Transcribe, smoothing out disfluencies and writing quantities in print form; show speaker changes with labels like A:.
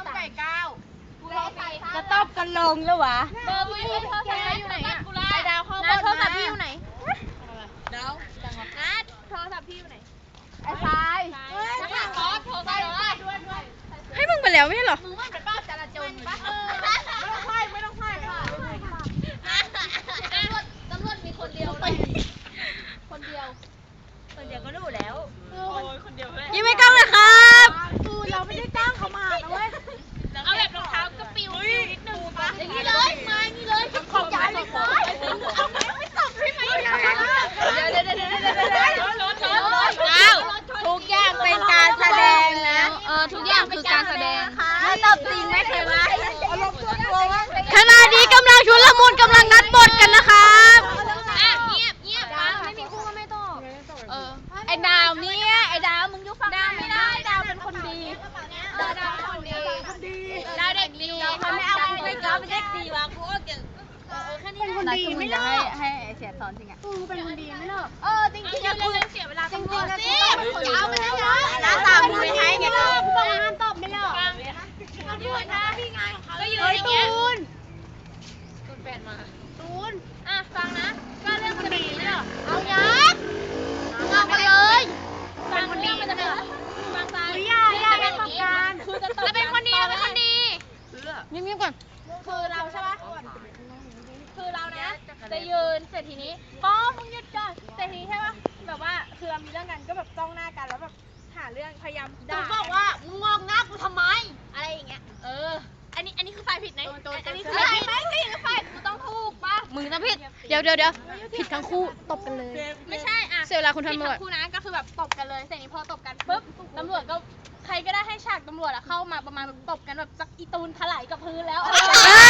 A: ไก่ก้าว
B: จะตบกันลงแล้ววะ
A: เบอร์กูอยู่โทรศัพท์อยู่ไหนอะไอ้ดาวเข้าบ้านโทรศัพท์พี่อยู่ไหนดาวจังหวะนัดโทรศัพท์พี่อยู่ไหนไอ้ทรายขอโทรศัพท์ด้วย
B: ให้มึงไปแล้วไม่ใช่หรอ
A: มึงว่าเป็นป้าจราจรปะไม่ต้องไพ่ตำรวจมีคนเดียวเลยคนเดียวก็รู้แล้วคนเดียวเลย
B: ยิ้มให้กล้องเลยครับ
A: เราไม่ได้จ้างเขามานะเว้ยเอาแบบรองเท้ากระปิวนิดนึงปะอย่างนี้เลยมาอย่างนี้เลยขอบใจเลยเอาไม่ตบใช่ไหมเดี๋ยว
B: ทุกอย่างเป็นการแสดงนะ
A: ทุกอย่างคือการแสดง
B: ไม่ตบจริงไม่เคยว่าขณะนี้กำลังชุลมุนกำลังนัดบทกันนะครับ
A: เงียบฟังไม่มีคู่ก็ไม่ต้องไอ้ดาวเนี่ยไอ้ดาวมึงยุฟังดาวไม่ได้ดาวเป็นคนดีดาวคนดีดาวเด็กดี
B: มันไม่เอาไปก็เป็นเด็กดีวะกูก็เก่ง
A: เป็นคนดีไม่เลิก
B: ให้เสียสอนจริงอ่ะ
A: เป็นคนดีไม่เลิกจริงๆกูเสียเวลาจริงๆนะสิเอาไปแล้ว
B: น้าตามมึงไปให้ไงก็
A: บอกห้ามตอบไม่เลิกยืนนะพี่งานของเขาก็ยืนอย่างเงี้ยตูนแฟนมาตูนฟังนะก็เรื่องคนดีไม่เลิกเอายัดฟังไปเลยฟังคนดีมันจะเป็นฟังซ้ายอย่าเป็นประการจะเป็นคนดีเป็นคนดี
B: เงียบๆก่อน
A: คือเราใช่ปะคือเรานะจะยืนเสร็จทีนี้ป้อมึงหยุดก่อนเสร็จทีนี้ใช่ปะแบบว่าคือเรามีเรื่องกันก็แบบจ้องหน้ากันแล้วแบบหาเรื่องพยายามด่าบอกว่ามึงมองหน้ากูทำไมอะไรอย่างเงี้ยอันนี้คือฝ่ายผิดนะอันนี้คือฝ่ายไม่คือฝ่ายกูต้องถูกปะ
B: มึงต้องผิดเดี๋ยวผิดทั้งคู่ตบกันเลย
A: ไม่ใช่
B: เสียเวลาคุณตำรวจ
A: คู่นะก็คือแบบตบกันเลยเสร็จนี้พอตบกันปุ๊บตำรวจก็ใครก็ได้ให้ฉากตำรวจเข้ามาประมาณแบบตบกันแบบสักอีตูนถลายกับพื้นแล้ว